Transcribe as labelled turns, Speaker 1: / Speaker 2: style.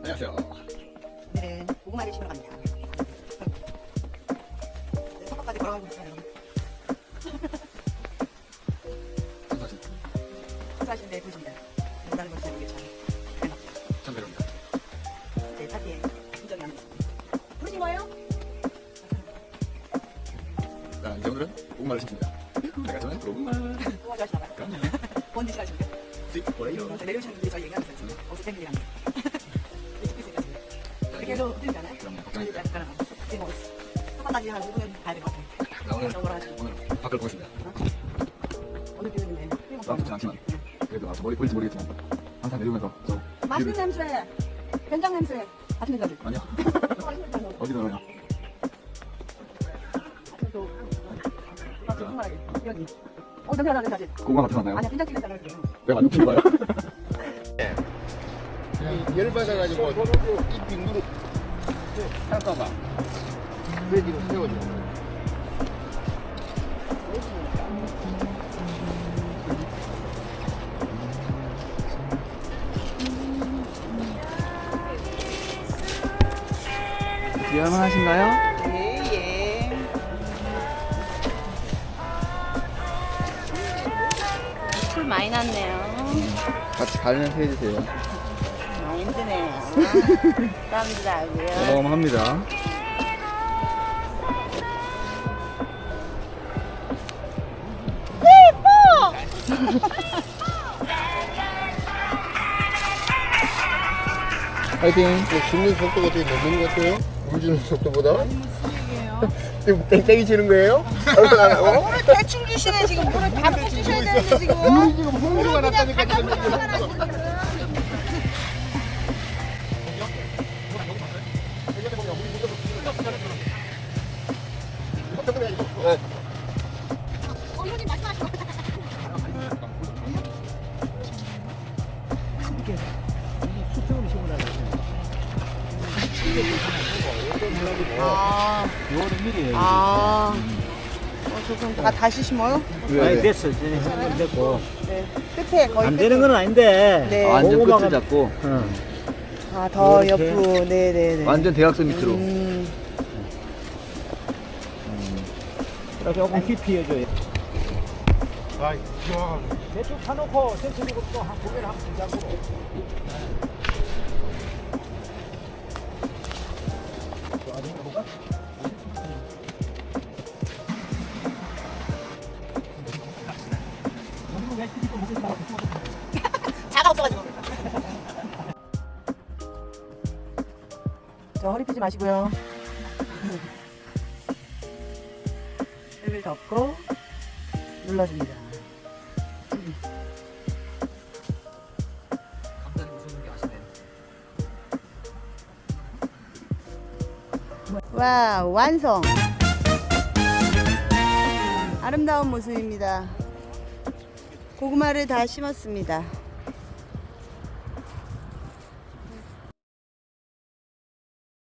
Speaker 1: 안녕하세요.
Speaker 2: 오늘은 고구마를 심으러 갑니다. 네, 석까지 걸어가고 있어요. 사실인데 보십니다. 농사는 것이 아니게 참
Speaker 1: 배로입니다.
Speaker 2: 네, 파티에 인정이 안 됐습니다. 부르신 거예요?
Speaker 1: 자, 이제 오늘은 고구마를 심습니다. 제가 저는 고구마.
Speaker 2: 고구마 좋아하시나봐요.
Speaker 1: 그럼요.
Speaker 2: 뭔지 싫어하십니까?
Speaker 1: 스윗 포레이로.
Speaker 2: 내려오시는 분들이 저희 얘기하고 있어요. 어서 팬들이랑. 그렇게 해서 힘들잖아요.
Speaker 1: 그럼요. 걱정이
Speaker 2: 그래서 약간 지금 한번까지 한 5분은 가야 될 것 같아요.
Speaker 1: 자, 오늘
Speaker 2: 정보를 하시고.
Speaker 1: 오늘 밖을 보겠습니다.
Speaker 2: 오늘 비는데
Speaker 1: 마음 좋지 않지만 그래도 저 머리 보일지 모르겠지만 항상 내려오면서 저
Speaker 2: 맛있는 냄새, 된장 냄새 같은 냄새.
Speaker 1: 아니요. 어디로 가요?
Speaker 2: 여기. 냄새 나는 사진.
Speaker 1: 고구마 같은 거 나요?
Speaker 2: 아니야, 된장 찍는 사람을 그래요.
Speaker 1: 내가 안 높은 거예요?
Speaker 3: 열받아가지고 이 빙그릇 할까봐 그래 지금 세워줘.
Speaker 4: 위험하신가요?
Speaker 2: 예.
Speaker 5: 풀 많이 났네요.
Speaker 4: 같이 가면서 해주세요.
Speaker 5: 많이 힘드네요. 땀도 나고요.
Speaker 4: 어마어마합니다. 화이팅!
Speaker 3: 줍는 속도가 되게 늦는 것 같아요. 물 주는 속도보다. 지금 땡땡이 치는 거예요?
Speaker 2: 오늘 대충 주시네 지금. 오늘 다 주셔야 되는데 지금.
Speaker 3: 물이 지금 홍수가 났다니까 지금. 네.
Speaker 2: 조금 다시 심어요?
Speaker 6: 아니 됐어. 전 됐고.
Speaker 2: 네. 끝에 거의
Speaker 6: 안 되는 건 아닌데.
Speaker 2: 네.
Speaker 4: 완전
Speaker 6: 고구마가-
Speaker 4: 끝을 잡고
Speaker 2: 더
Speaker 6: 이렇게.
Speaker 2: 옆으로. 네네네.
Speaker 4: 완전 대각선 밑으로.
Speaker 6: 조금 깊이 해줘요.
Speaker 3: 아, 좋아가지고.
Speaker 6: 대충 파놓고 센스리고 또한 고개를 한번 들자고.
Speaker 2: 자가 없어가지고. 저 허리 펴지 마시고요. 을 덮고 눌러줍니다.
Speaker 1: 감자는 무슨 게 아시네.
Speaker 2: 와, 완성. 아름다운 모습입니다. 고구마를 다 심었습니다.